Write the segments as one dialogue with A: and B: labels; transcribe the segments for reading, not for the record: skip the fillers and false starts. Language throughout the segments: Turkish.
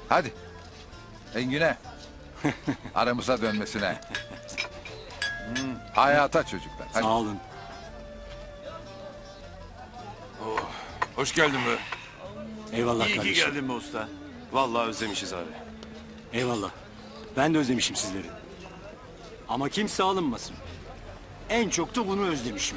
A: Hadi. Engin'e. Aramıza dönmesine. Hayata çocuklar. Hadi.
B: Sağ olun.
C: Hoş geldin be.
B: Eyvallah
D: İyi ki
B: kardeşim.
D: geldin be usta. Vallahi özlemişiz abi.
B: Eyvallah. Ben de özlemişim sizleri. Ama kimse alınmasın. En çok da bunu özlemişim.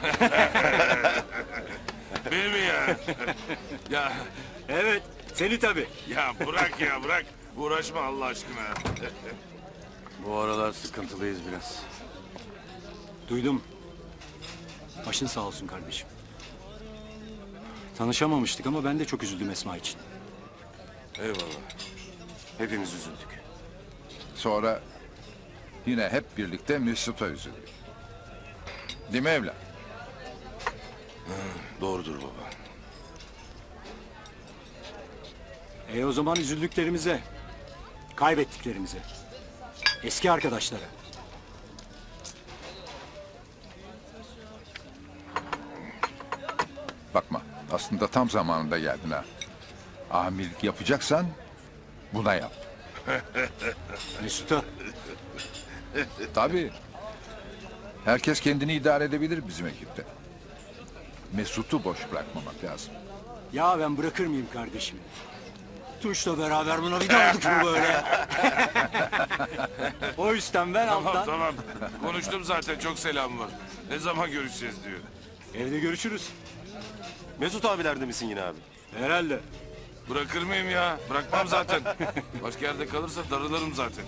C: Beni mi ya? ya
B: Evet, seni tabii.
C: ya bırak ya bırak. Uğraşma Allah aşkına.
D: Bu aralar sıkıntılıyız biraz.
B: Duydum. Başın sağ olsun kardeşim. Tanışamamıştık ama ben de çok üzüldüm Esma için.
D: Eyvallah. Hepimiz üzüldük.
A: Sonra yine hep birlikte Mesut'a üzüldük. Değil mi evlat?
D: Doğrudur baba.
B: O zaman üzüldüklerimize, kaybettiklerimize, eski arkadaşlara.
A: Bakma. Aslında tam zamanında geldin ha. Amirlik yapacaksan buna yap.
B: Mesut'a.
A: Tabii. Herkes kendini idare edebilir bizim ekipte. Mesut'u boş bırakmamak lazım.
B: Ya ben bırakır mıyım kardeşimi? Tunç'la beraber buna bir de aldık mı böyle? O yüzden ben
C: Tamam
B: alttan.
C: tamam. Konuştum zaten çok selam var. Ne zaman görüşeceğiz diyor.
B: Evde görüşürüz.
D: Mesut abilerde misin yine abi?
B: Herhalde.
C: Bırakır mıyım ya? Bırakmam zaten. Başka yerde kalırsa darılırım zaten.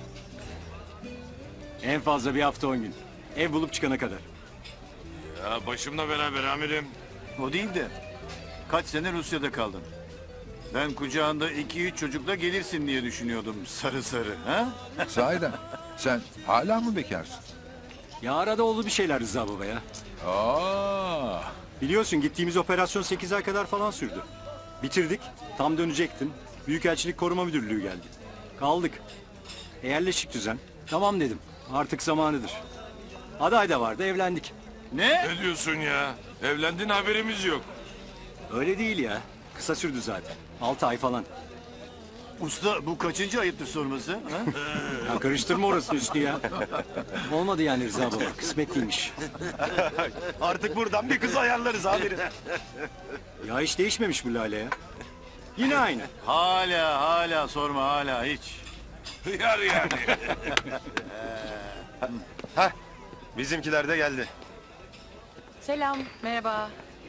B: En fazla bir hafta 10 gün. Ev bulup çıkana kadar.
C: Ya başımla beraber amirim.
E: O değil de kaç sene Rusya'da kaldın. Ben kucağında 2-3 çocukla gelirsin diye düşünüyordum sarı sarı. Ha?
A: Sahiden sen hala mı bekarsın?
B: Ya arada oldu bir şeyler Rıza baba ya.
A: Aa,
B: Biliyorsun gittiğimiz operasyon 8 ay kadar falan sürdü. Bitirdik. Tam dönecektim. Büyükelçilik Koruma Müdürlüğü geldi. Kaldık. Yerleşik düzen. Tamam dedim. Artık zamanıdır. Aday da vardı, evlendik.
E: Ne?
C: Ne diyorsun ya? Evlendin haberimiz yok.
B: Öyle değil ya. Kısa sürdü zaten. 6 ay falan.
E: Usta bu kaçıncı ayıptır sorması? Ha?
B: Ya karıştırma orasını üstü ya. Olmadı yani Rıza baba. Kısmetliymiş.
D: Artık buradan bir kız ayarlarız amirim.
B: Ya hiç değişmemiş bu Lale ya. Yine aynı.
E: Hala sorma hala hiç.
C: Yar yani.
D: Bizimkiler de geldi.
F: Selam, merhaba.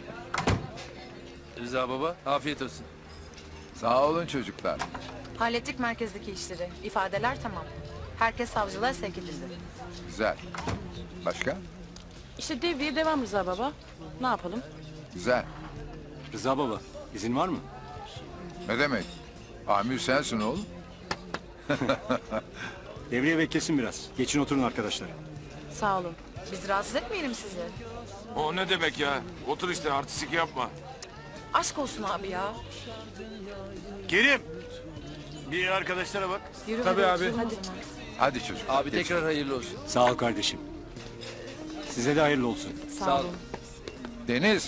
G: Rıza baba, afiyet olsun.
A: sağ olun çocuklar.
F: Hallettik merkezdeki işleri. İfadeler tamam. Herkes savcılığa sevk edildi.
A: Güzel. Başka?
H: İşte devriye devam Rıza baba. Ne yapalım?
A: Güzel.
B: Rıza baba, izin var mı?
A: Ne demek? Amir sensin oğlum.
B: Devriye beklesin biraz. Geçin oturun arkadaşlar.
H: Sağ olun.
F: Biz rahatsız etmeyelim sizi.
C: O ne demek ya? Otur işte artistik yapma.
F: Aşk olsun abi ya.
E: Kerim. Bir arkadaşlara bak.
F: Yürü
G: Tabii
F: hadi
G: abi.
F: oturun o zaman.
A: Hadi çocuklar.
G: Abi
A: geçin.
G: tekrar hayırlı olsun.
B: Sağ ol kardeşim. Size de hayırlı olsun.
H: Sağ olun.
A: Deniz.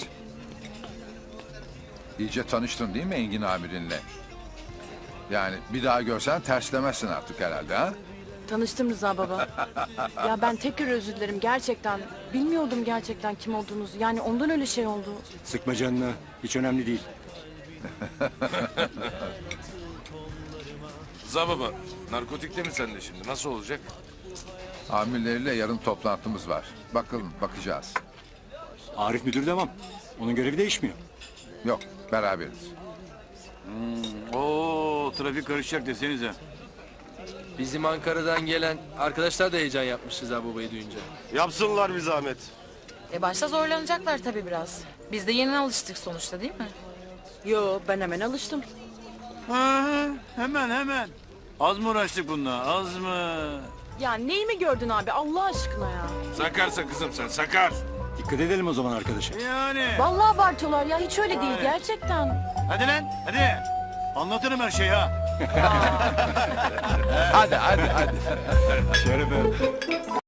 A: İyice tanıştın değil mi Engin amirinle? Yani bir daha görsen terslemezsin artık herhalde ha?
H: Tanıştım Rıza baba. Ya ben tekrar özür dilerim gerçekten. Bilmiyordum gerçekten kim olduğunuzu. Yani ondan öyle şey oldu.
B: Sıkma canını. Hiç önemli değil.
C: Rıza baba, narkotikte mi sende şimdi? Nasıl olacak?
A: Amirleriyle yarın toplantımız var. Bakalım bakacağız.
B: Arif müdür devam. Onun görevi değişmiyor.
A: Yok beraberiz.
E: Oo trafik karışacak desenize.
G: Bizim Ankara'dan gelen arkadaşlar da heyecan yapmış Rıza babayı duyunca.
D: Yapsınlar bir zahmet.
F: Başta zorlanacaklar tabii biraz. Biz de yeni alıştık sonuçta değil mi?
H: Yo ben hemen alıştım.
E: Ha, hemen. Az mı uğraştık bununla az mı?
H: Ya neyi mi gördün abi Allah aşkına ya?
C: Sakarsa kızım sen sakar.
B: Dikkat edelim o zaman arkadaşa.
E: Yani.
H: Vallahi abartıyorlar ya hiç öyle değil gerçekten.
E: Hadi lan hadi. Anlatırım her şeyi ha.
A: Hadi.
B: Şerefe.